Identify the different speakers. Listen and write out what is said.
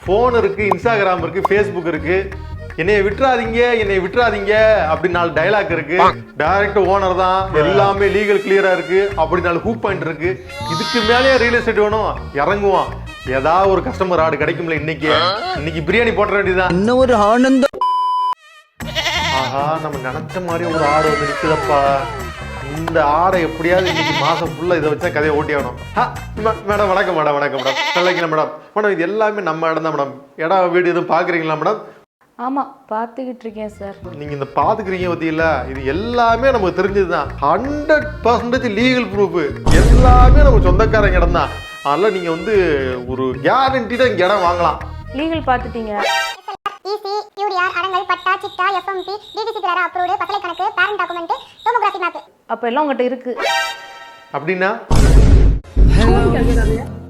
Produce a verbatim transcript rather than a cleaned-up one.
Speaker 1: Phone இருக்கு, Instagram இருக்கு, Facebook இருக்கு. என்னைய விட்டுறாதீங்க என்னைய விட்டுறாதீங்க அப்படின்னு நாலு டைலாக் இருக்கு. டைரக்ட் ஓனர் தான், எல்லாமே லீகல் கிளியரா இருக்கு. அப்படி நாலு ஹூக் பாயிண்ட் இருக்கு. இதுக்கு மேலேயே ரியல் எஸ்டேட் வேணும், இறங்குவோம். ஏதாவது ஒரு கஸ்டமர் ஆடு கிடைக்கும்ல. இன்னைக்கு இன்னைக்கு பிரியாணி போட்ட வேண்டியதுதான்.
Speaker 2: இன்னும் ஒரு ஆனந்தம்.
Speaker 1: ஆஹா, நம்ம நினைச்ச மாதிரி ஒரு ஆடு வந்து நிக்குதப்பா. இந்த ஆடை எப்படியாவது இன்னைக்கு மாசம் ஃபுல்லா இதை வச்சா கதையை ஓட்டி ஆகணும். மேடம் வணக்கம் மேடம் வணக்கம் மேடம் நல்லா இருக்கீங்களா மேடம்? மேடம் இது எல்லாமே நம்ம இடம் தான் மேடம். இடம் வீடு எதுவும் பாக்குறீங்களா மேடம்?
Speaker 3: ஆமா பார்த்துக்கிட்டு இருக்கேன் சார்.
Speaker 1: நீங்க இந்த பாத்துக்கிறீங்க பத்தியில இது எல்லாமே நமக்கு தெரிஞ்சதுதான். Hundred percentage legal proof. எல்லாமே நம்ம சொந்தக்காரங்க இடம் தான். அதனால நீங்க வந்து ஒரு கேரண்டிடா இங்க இடம் வாங்கலாம்.
Speaker 3: லீகல் பார்த்துட்டீங்க?
Speaker 4: ஈசி, யூடிஆர், அடங்கல், பட்டா, சிட்டா, எஃப்எம்பி, டிடிசி பிளாரா அப்ரூவ்டு, பசலை கணக்கு, பேரண்ட் டாக்குமெண்ட், டோமோகிராஃபி மேப்.
Speaker 3: அப்ப எல்லாம் உங்ககிட்ட இருக்கு
Speaker 1: அப்படின்னா